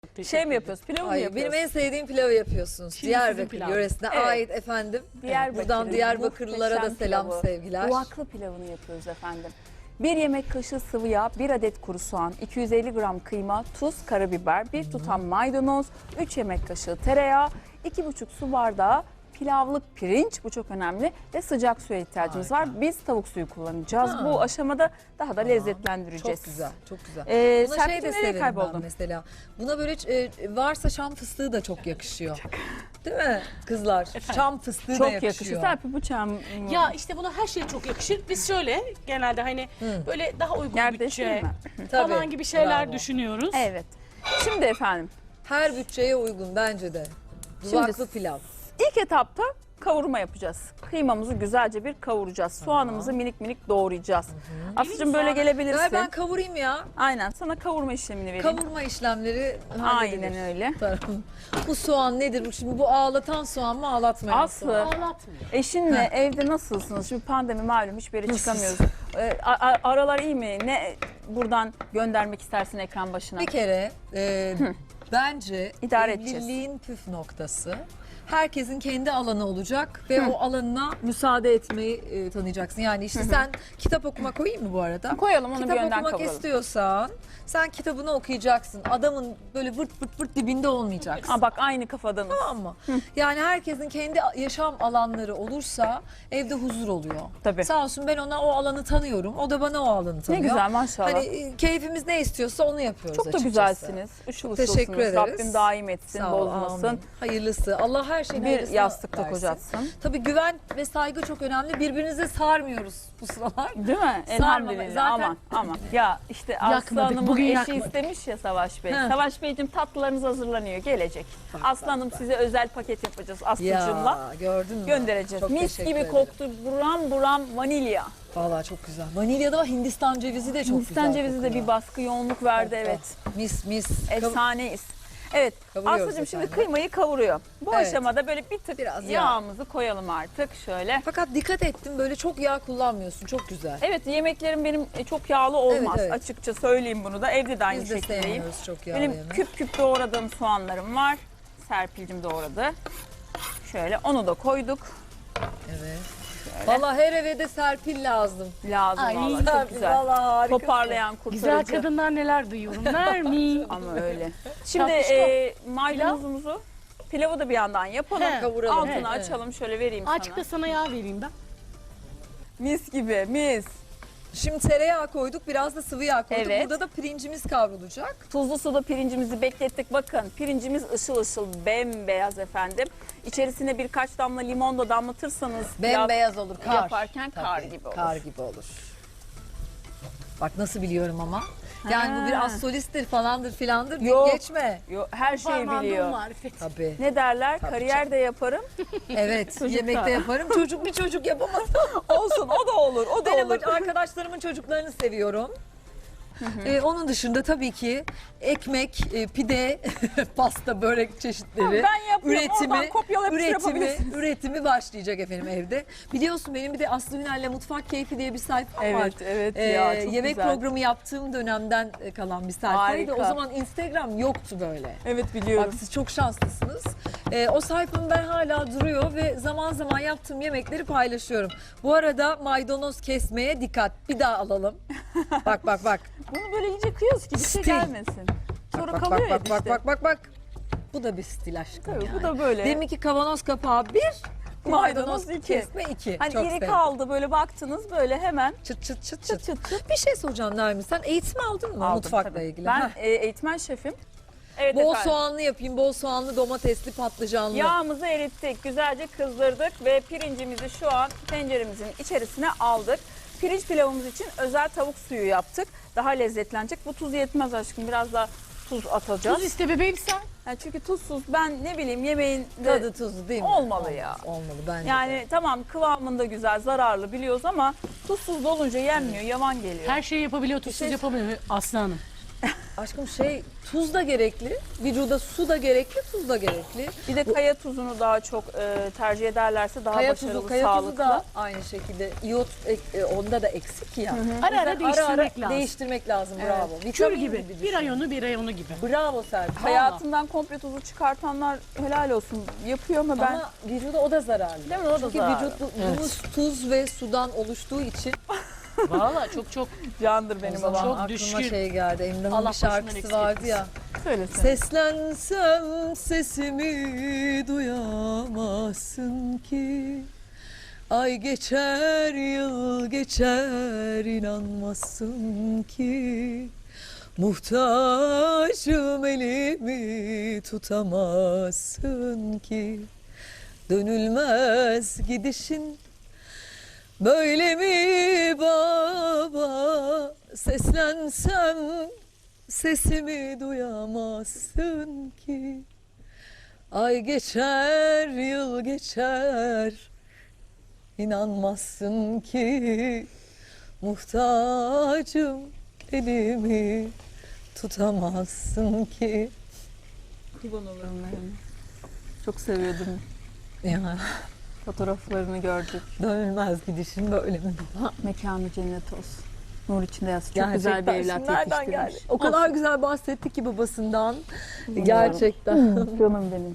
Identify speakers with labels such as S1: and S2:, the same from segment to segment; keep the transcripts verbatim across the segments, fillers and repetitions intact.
S1: Şey mi yapıyoruz? Pilav mı
S2: Ay,
S1: yapıyoruz?
S2: benim en sevdiğim pilavı yapıyorsunuz.
S3: Şimdi
S2: Diyarbakır
S3: sizin pilav.
S2: yöresine
S1: Evet.
S2: ait efendim.
S1: Diyarbakır'ın
S2: Buradan Diyarbakırlılara da
S1: muhteşem
S2: selam
S1: pilavı.
S2: sevgiler.
S1: Duvaklı pilavını yapıyoruz efendim. bir yemek kaşığı sıvı yağ, bir adet kuru soğan, iki yüz elli gram kıyma, tuz, karabiber, bir tutam maydanoz, üç yemek kaşığı tereyağı, iki buçuk su bardağı pilavlık pirinç, bu çok önemli, ve sıcak suya ihtiyacımız
S2: Harika.
S1: var. Biz tavuk suyu kullanacağız.
S2: Ha.
S1: Bu aşamada daha da
S2: Tamam.
S1: lezzetlendireceğiz.
S2: Çok güzel, çok güzel.
S1: Ee,
S2: Buna şey
S1: Serpil
S2: de
S1: nereye
S2: severim
S1: kayboldun?
S2: ben mesela. Buna böyle e, varsa şam fıstığı da çok yakışıyor. Değil mi kızlar?
S3: Efendim?
S2: Şam fıstığı da
S1: Çok
S2: yakışıyor.
S1: yakışıyor. Serpil bıçağım.
S3: Ya işte buna her şey çok yakışır. Biz şöyle genelde hani
S2: Hı.
S3: böyle daha uygun
S1: Yerdeşir
S3: bütçe
S1: mi?
S2: Tabii,
S3: falan gibi şeyler
S2: bravo.
S3: düşünüyoruz.
S1: Evet. Şimdi efendim,
S2: Her bütçeye uygun bence de. Duvaklı
S1: Şimdi-
S2: pilav.
S1: İlk etapta kavurma yapacağız. Kıymamızı güzelce bir kavuracağız. Soğanımızı minik minik doğrayacağız. Aslıcığım böyle
S3: soğan.
S1: gelebilirsin.
S2: Ver ben kavurayım ya.
S1: Aynen, sana kavurma işlemini vereyim.
S2: Kavurma işlemleri
S1: Aynen
S2: halledilir.
S1: öyle.
S2: Tamam. Bu soğan nedir? Bu Şimdi bu ağlatan soğan mı ağlatmayan
S1: Aslı,
S2: soğan?
S3: Ağlatmıyor.
S1: eşinle evde nasılsınız? Şimdi pandemi malum, hiçbir yere çıkamıyoruz. Ee, a- a- aralar iyi mi? Ne buradan göndermek istersin ekran başına?
S2: Bir kere e, bence
S1: İdare edeceğiz.
S2: evliliğin püf noktası herkesin kendi alanı olacak ve o alanına müsaade etmeyi e, tanıyacaksın. Yani işte sen kitap okuma koyayım mı bu arada?
S1: Koyalım, onu bir
S2: Kitap
S1: önden
S2: okumak
S1: kavuralım.
S2: istiyorsan sen kitabını okuyacaksın. Adamın böyle vırt vırt vırt dibinde olmayacaksın.
S1: Aa, bak aynı kafadanız.
S2: Tamam mı? Yani herkesin kendi yaşam alanları olursa evde huzur oluyor.
S1: Tabii.
S2: Sağ olsun ben ona o alanı tanıyorum. O da bana o alanı
S1: Ne
S2: tanıyor.
S1: güzel, maşallah.
S2: Hani e, keyfimiz ne istiyorsa onu yapıyoruz
S1: Çok da
S2: açıkçası.
S1: güzelsiniz. Işıl ışılsınız.
S2: Teşekkür ederiz.
S1: Rabbim daim etsin,
S2: Sağ ol,
S1: bozmasın.
S2: amin. Hayırlısı. Allah her şeyin
S1: Bir
S2: hayırlısını
S1: yastıkta
S2: versin.
S1: kocatsın.
S2: Tabii güven ve saygı çok önemli. Birbirinize sarmıyoruz bu sıralar.
S1: Değil mi? Elhamdülillah.
S2: Zaten-
S1: Aman aman. Ya işte Aslı
S3: Yakmadık,
S1: Hanım'ın
S3: bugün
S1: eşi
S3: yakmadık.
S1: istemiş ya Savaş Bey.
S2: He.
S1: Savaş Beyciğim, tatlılarınız hazırlanıyor. Gelecek. Aslı Hanım size özel paket yapacağız Aslı'cığımla.
S2: Ya gördün mü?
S1: Göndereceğiz.
S2: Çok
S1: Mis
S2: teşekkür
S1: gibi
S2: ederim.
S1: koktu. Buram buram vanilya.
S2: Vallahi çok güzel. Vanilya da var, Hindistan cevizi de çok
S1: Hindistan
S2: güzel
S1: cevizi de
S2: kokuyor.
S1: bir baskı yoğunluk verdi,
S2: Oh,
S1: evet.
S2: oh. Mis mis.
S1: Efsaneyiz. Evet,
S2: Kavuruyoruz
S1: Aslı'cığım şimdi
S2: efendim.
S1: kıymayı kavuruyor. Bu
S2: Evet.
S1: aşamada böyle bir tık
S2: Biraz yağ.
S1: yağımızı koyalım artık şöyle.
S2: Fakat dikkat ettim böyle çok yağ kullanmıyorsun. Çok güzel.
S1: Evet, yemeklerim benim çok yağlı olmaz.
S2: Evet, evet.
S1: Açıkça söyleyeyim bunu da. Evde de aynı
S2: Biz de
S1: şekildeyim.
S2: sevmiyoruz çok yağlı
S1: Benim
S2: yemek.
S1: küp küp doğradığım soğanlarım var. Serpil'cim doğradı. Şöyle onu da koyduk.
S2: Evet. Vallahi her eve de Serpil lazım.
S1: Lazım
S3: Ay,
S1: vallahi, çok
S2: Serpil,
S1: güzel.
S2: vallahi harikasın.
S1: Toparlayan,
S3: Güzel
S1: kurtarıcı.
S3: kadınlar neler duyuyorum. Nermin.
S1: Ama öyle. Şimdi
S3: Tatlışko.
S1: e, maydanozumuzu, pilavı da bir yandan yapalım.
S3: He,
S2: kavuralım.
S1: Altını
S2: Evet,
S1: açalım, şöyle vereyim
S3: Açık da
S1: sana.
S3: sana yağ vereyim ben.
S1: Mis gibi, mis.
S2: Şimdi tereyağı koyduk, biraz da sıvı yağ koyduk.
S1: Evet.
S2: Burada da pirincimiz kavrulacak.
S1: Tuzlu suda pirincimizi beklettik. Bakın, pirincimiz ışıl ışıl bembeyaz efendim. İçerisine birkaç damla limon da damlatırsanız pilav
S2: Bembeyaz olur, kar.
S1: yaparken kar
S2: Tabii,
S1: gibi olur.
S2: Kar gibi olur. Bak nasıl biliyorum ama. Yani
S1: Ha.
S2: bu biraz solisttir falandır filandır. deyip
S1: Yok.
S2: Geçme.
S1: Yo, her şeyi
S3: Parmağında
S1: biliyor.
S3: marifet.
S2: Tabii.
S1: Ne derler?
S2: Tabii
S1: Kariyer de yaparım.
S2: Evet.
S1: Çocuk
S2: Yemekte
S1: da.
S2: yaparım. Çocuk bir çocuk yapamaz.
S1: Olsun, o da olur, o da
S2: Benim
S1: olur.
S2: arkadaşlarımın çocuklarını seviyorum. Ee, onun dışında tabii ki ekmek, e, pide, pasta, börek çeşitleri.
S1: Ben yapıyorum, oradan kopyalayıp şey
S2: üretimi,
S1: yapabilirsiniz.
S2: üretimi başlayacak efendim evde. Biliyorsun benim bir de Aslı Ünal'le Mutfak Keyfi diye bir sayfam var.
S1: Evet, evet
S2: Ee,
S1: ya, çok
S2: yemek
S1: güzel.
S2: programı yaptığım dönemden e, kalan bir sayfaydı.
S1: Harika.
S2: O zaman Instagram yoktu böyle.
S1: Evet,
S2: Bak
S1: biliyorum.
S2: siz çok şanslısınız. Ee, o sayfam ben hala duruyor ve zaman zaman yaptığım yemekleri paylaşıyorum. Bu arada maydanoz kesmeye dikkat. Bir daha alalım. Bak bak bak.
S1: Bunu böyle iyice kıyıyoruz ki bir şey
S2: Stil.
S1: gelmesin. Sonra
S2: Bak
S1: kalıyor
S2: bak
S1: ya
S2: bak bak
S1: işte.
S2: bak bak bak. Bu da bir stil aşkım
S1: Tabii,
S2: yani.
S1: bu da böyle.
S2: Deminki kavanoz kapağı bir,
S1: Maydanoz
S2: maydanoz
S1: iki.
S2: kesme iki.
S1: Hani
S2: Çok
S1: iri
S2: sevdim.
S1: kaldı, böyle baktınız böyle hemen
S2: Çıt çıt çıt
S1: çıt
S2: çıt.
S1: çıt çıt
S2: Bir şey soracağım Nermin, sen eğitim aldın mı
S1: aldım
S2: mutfakla
S1: tabii.
S2: ilgili?
S1: Ben
S2: Heh.
S1: e, eğitmen şefim. Evet
S2: Bol
S1: efendim.
S2: soğanlı yapayım, bol soğanlı, domatesli, patlıcanlı.
S1: Yağımızı erittik, güzelce kızdırdık ve pirincimizi şu an tenceremizin içerisine aldık. Pirinç pilavımız için özel tavuk suyu yaptık. Daha lezzetlenecek. Bu tuz yetmez aşkım. Biraz daha tuz atacağız.
S3: Tuz iste bebeğim sen.
S1: Yani çünkü tuzsuz, ben ne bileyim, yemeğin de
S2: Tadı tuzlu değil mi?
S1: olmalı
S2: Olmaz,
S1: ya.
S2: Olmalı bence
S1: yani
S2: de.
S1: tamam, kıvamında güzel, zararlı biliyoruz ama tuzsuz olunca yenmiyor, yavan geliyor.
S3: Her şeyi yapabiliyor, tuzsuz
S1: şey-
S3: yapamıyor Aslı Hanım.
S2: Aşkım şey tuz da gerekli, vücuda su da gerekli, tuz da gerekli.
S1: Bir de kaya tuzunu daha çok e, tercih ederlerse daha
S2: Kaya
S1: başarılı,
S2: tuzu, kaya
S1: sağlıklı.
S2: tuzu da aynı şekilde iot ek- e, onda da eksik ya.
S3: Ara ara
S2: O yüzden
S3: değiştirmek lazım.
S2: Değiştirmek lazım.
S1: Evet.
S2: Bravo.
S3: Kür
S2: Vitamin
S3: gibi.
S2: düşün.
S3: Bir ayonu bir ayonu gibi.
S2: Bravo Serpil.
S1: Hayatından komple tuzu çıkartanlar helal olsun yapıyor ama ben
S2: Ama vücuda o da zararlı.
S1: Değil mi? O da
S2: Çünkü
S1: zararlı.
S2: vücudumuz tuz ve sudan oluştuğu için
S3: Valla çok çok
S1: candır benim
S2: o zaman
S1: babam.
S3: Çok
S2: aklıma
S3: düşkün.
S2: şey geldi. Emrah'ın
S3: Allah
S2: bir şarkısı
S3: başından eksik
S2: vardı
S3: etmesin.
S2: ya.
S1: Söylesene.
S2: Seslensem sesimi duyamazsın ki. Ay geçer yıl geçer inanmazsın ki. Muhtacım elimi tutamazsın ki. Dönülmez gidişin böyle mi baba? Seslensem sesimi duyamazsın ki. Ay geçer yıl geçer inanmazsın ki. Muhtacım elimi tutamazsın ki.
S1: Kurban olurum benim. Çok seviyordum.
S2: Ya
S1: Fotoğraflarını gördük.
S2: dönülmez gidişin böyle mi?
S1: Mekanı cennet olsun. Nur içinde yatsın. Çok
S2: Gerçekten.
S1: güzel bir evlat
S2: Şimdi nereden
S1: yetiştirmiş.
S2: geldi? O kadar güzel bahsetti ki babasından.
S1: Bilmiyorum.
S2: Gerçekten.
S1: Canım benim.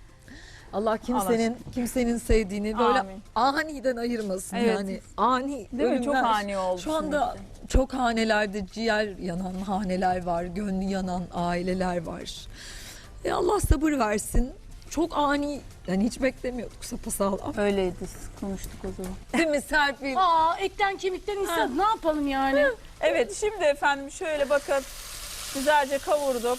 S2: Allah kimsenin kimsenin sevdiğini böyle
S1: Amin.
S2: aniden ayırmasın
S1: Evet.
S2: yani. Ani
S1: Değil mi? Çok
S2: ölümler.
S1: ani oldu.
S2: Şu anda
S1: şimdi.
S2: çok hanelerde ciğer yanan haneler var, gönlü yanan aileler var. E Allah sabır versin. Çok ani, yani hiç beklemiyorduk sapasağlam.
S1: Öyleydi. Konuştuk o zaman.
S2: Değil mi Serpil?
S3: Aa etten kemikten insan ne yapalım yani?
S1: Evet şimdi efendim şöyle bakın. Güzelce kavurduk.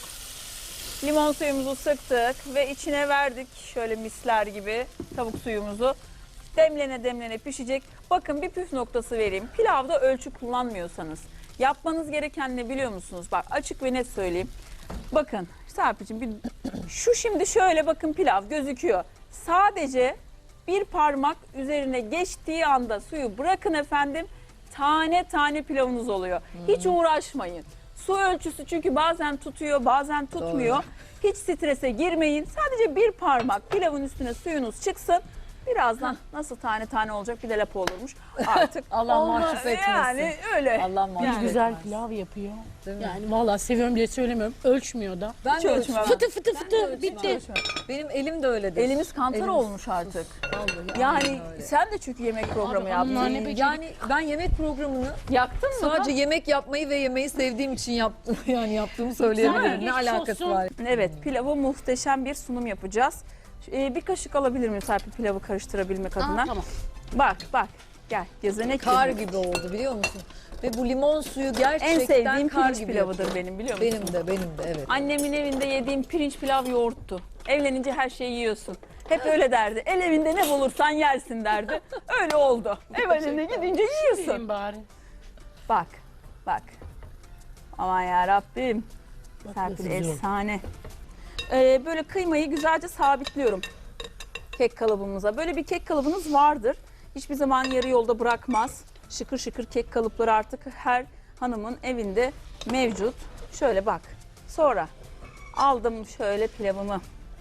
S1: Limon suyumuzu sıktık ve içine verdik şöyle misler gibi tavuk suyumuzu. Demlene demlene pişecek. Bakın bir püf noktası vereyim. Pilavda ölçü kullanmıyorsanız yapmanız gereken ne biliyor musunuz? Bak açık ve net söyleyeyim. Bakın Serpil'cim bir, şu şimdi şöyle bakın pilav gözüküyor. Sadece bir parmak üzerine geçtiği anda suyu bırakın efendim. Tane tane pilavınız oluyor. Hiç uğraşmayın. Su ölçüsü çünkü bazen tutuyor bazen tutmuyor. Hiç strese girmeyin. Sadece bir parmak pilavın üstüne suyunuz çıksın. Birazdan nasıl tane tane olacak bir de lapa olurmuş. Artık
S2: Allah
S1: olmaz.
S2: mahcup etmesin.
S1: Yani öyle.
S2: Allah mahcup
S1: Yani.
S3: Güzel
S2: etmez.
S3: pilav yapıyor.
S2: Değil mi?
S3: Yani vallahi seviyorum diye söylemiyorum. Ölçmüyor da.
S2: Ben
S1: Hiç
S2: de
S1: ölçmem.
S2: ölçmem.
S3: Fıtı fıtı fıtı
S2: ölçmem.
S3: bitti.
S2: Benim elim de öyledir.
S1: Elimiz kantar
S2: Elimiz-
S1: olmuş artık.
S2: Vallahi
S1: Yani
S2: aynen öyle.
S1: sen de çünkü yemek programı
S3: Abi,
S1: yaptın.
S3: onlar ne be-
S2: Yani ben yemek programını
S1: Yaktın mı?
S2: sadece yemek yapmayı ve yemeği sevdiğim için yaptım. Yani yaptığımı söyleyebilirim.
S3: Güzel,
S2: Ne
S3: geçmiş
S2: alakası
S3: olsun.
S2: var?
S1: Evet, pilavı muhteşem bir sunum yapacağız. Ee, bir kaşık alabilir miyim Serpil pilavı karıştırabilmek adına?
S3: Aa, tamam.
S1: Bak bak gel gezenek
S2: Kar
S1: gibi.
S2: gibi oldu biliyor musun? Ve bu limon suyu gerçekten
S1: En sevdiğim
S2: kar
S1: pirinç
S2: gibi
S1: pilavıdır
S2: yapıyor.
S1: benim biliyor musun?
S2: Benim de benim de evet.
S1: Annemin evinde yediğim pirinç pilav yoğurttu. Evlenince her şeyi yiyorsun. Hep öyle derdi. El evinde ne bulursan yersin derdi. Öyle oldu. Ev evine gidince yiyorsun.
S3: Yiyeyim bari.
S1: Bak bak. Aman ya Rabbim.
S3: Bak
S1: Serpil
S3: nasıl güzel.
S1: efsane. Ee, böyle kıymayı güzelce sabitliyorum kek kalıbımıza. Böyle bir kek kalıbınız vardır. Hiçbir zaman yarı yolda bırakmaz. Şıkır şıkır kek kalıpları artık her hanımın evinde mevcut. Şöyle bak. Sonra aldım şöyle pilavımı.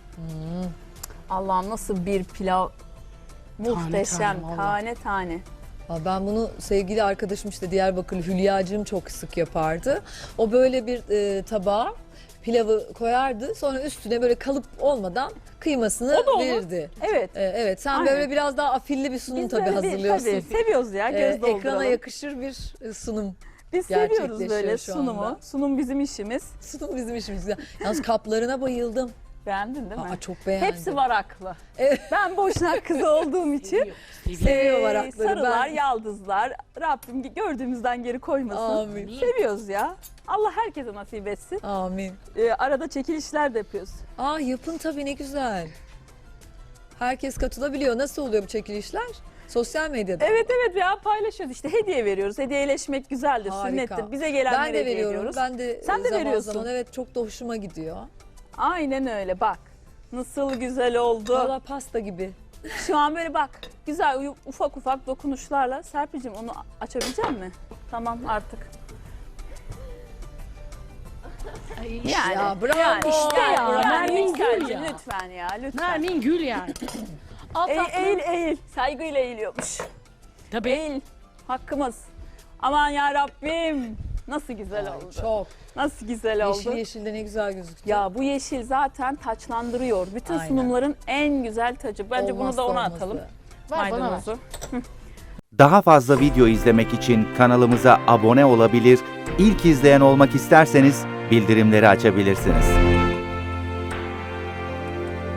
S1: Allah'ım nasıl bir pilav. Muhteşem.
S3: tane vallahi.
S1: Tane tane.
S2: Aa, ben bunu sevgili arkadaşım işte Diyarbakırlı Hülya'cığım çok sık yapardı. O böyle bir e, tabağa pilavı koyardı. Sonra üstüne böyle kalıp olmadan kıymasını
S1: O da olur.
S2: verirdi.
S1: Evet.
S2: E, evet sen
S1: Aynen.
S2: böyle biraz daha afilli bir sunum
S1: Biz
S2: tabii
S1: böyle bir-
S2: hazırlıyorsun.
S1: tabii, seviyoruz ya.
S2: E,
S1: Göz dolduralım.
S2: ekrana yakışır bir e, sunum.
S1: Biz seviyoruz
S2: gerçekleşiyor
S1: böyle
S2: şu
S1: sunumu.
S2: anda.
S1: Sunum bizim işimiz.
S2: Sunum bizim işimiz. Ya. Yalnız kaplarına bayıldım.
S1: Beğendin değil mi?
S2: Aa, çok beğendim.
S1: Hepsi varaklı.
S2: Evet.
S1: Ben boşnak kızı olduğum için
S3: Seviyor, seviyor.
S2: Seviyor
S1: eee,
S2: varakları,
S1: sarılar,
S2: ben-
S1: yaldızlar Rabbim gördüğümüzden geri koymasın.
S2: Amin.
S1: Seviyoruz ya. Allah herkese nasip etsin.
S2: Amin.
S1: Eee, arada çekilişler de yapıyoruz.
S2: Aa yapın tabii ne güzel. Herkes katılabiliyor. Nasıl oluyor bu çekilişler? Sosyal medyada.
S1: Evet evet ya paylaşıyoruz işte hediye veriyoruz. Hediyeleşmek güzeldir,
S2: Harika.
S1: sünnettir. Bize gelenlere
S2: Ben de
S1: hediye
S2: veriyorum.
S1: ediyoruz.
S2: Ben de
S1: Sen de
S2: zaman
S1: veriyorsun.
S2: zaman evet çok da hoşuma gidiyor.
S1: Aynen öyle bak. Nasıl güzel oldu.
S2: Valla pasta gibi.
S1: Şu an böyle bak güzel uyu- ufak ufak dokunuşlarla. Serpil'cim onu açabilecek misin? Tamam artık.
S3: Ay, işte.
S1: Yani,
S2: Ya bravo.
S1: yani işte ya.
S3: Bravo.
S1: Yani
S3: Nermin
S1: Yüksel'cim
S3: Gül ya.
S1: lütfen ya lütfen.
S3: Nermin Gül yani. Alt
S1: Eğil,
S3: altı-
S1: eğil, eğil. Saygıyla eğiliyormuş.
S3: Tabii.
S1: Eğil. Hakkımız. Aman ya Rabbim. Nasıl güzel oldu.
S2: Çok.
S1: Nasıl güzel oldu.
S2: Yeşil yeşil de ne güzel gözüktü.
S1: Ya bu yeşil zaten taçlandırıyor. Bütün
S2: Aynen.
S1: sunumların en güzel tacı. Bence
S2: Olmazsa
S1: bunu da ona
S2: olmazı.
S1: atalım.
S3: Ver bana ver.
S1: Maydanozu.
S4: Daha fazla video izlemek için kanalımıza abone olabilir, ilk izleyen olmak isterseniz bildirimleri açabilirsiniz.